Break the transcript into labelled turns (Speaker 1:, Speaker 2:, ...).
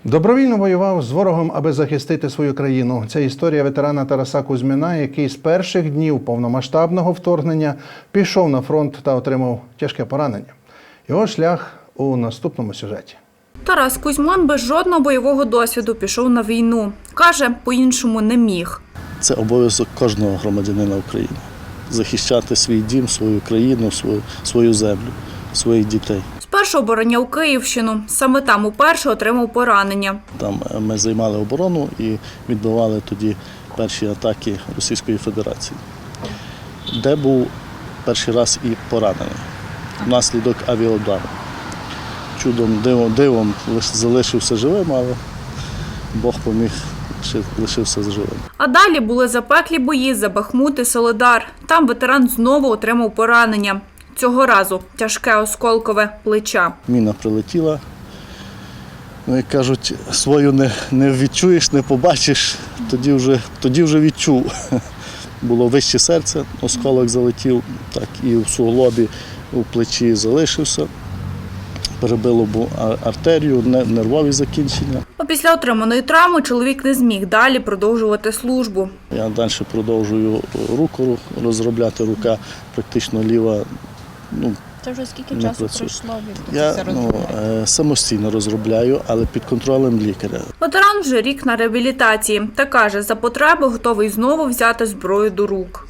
Speaker 1: Добровільно воював з ворогом, аби захистити свою країну. Це історія ветерана Тараса Кузьміна, який з перших днів повномасштабного вторгнення пішов на фронт та отримав тяжке поранення. Його шлях у наступному сюжеті.
Speaker 2: Тарас Кузьмин без жодного бойового досвіду пішов на війну. Каже, по-іншому не міг.
Speaker 3: Це обов'язок кожного громадянина України – захищати свій дім, свою країну, свою землю, своїх дітей.
Speaker 2: Спершу обороняв Київщину. Саме там уперше отримав поранення.
Speaker 3: Там ми займали оборону і відбивали тоді перші атаки Російської Федерації, де був перший раз і поранений внаслідок авіаудару. Чудом, дивом залишився живим, але Бог поміг, лишився живим.
Speaker 2: А далі були запеклі бої за Бахмут і Солидар. Там ветеран знову отримав поранення. Цього разу тяжке осколкове плеча.
Speaker 3: Міна прилетіла. Як кажуть, свою не відчуєш, не побачиш, тоді вже відчув. Було вище серце, осколок залетів, так і в суглобі, у плечі залишився. Перебило артерію, нервові закінчення.
Speaker 2: Після отриманої травми чоловік не зміг далі продовжувати службу.
Speaker 3: Я далі продовжую руку розробляти, рука практично ліва.
Speaker 4: Це вже скільки часу пройшло від
Speaker 3: Я самостійно розробляю, але під контролем лікаря.
Speaker 2: Ветеран вже рік на реабілітації та каже, за потреби готовий знову взяти зброю до рук.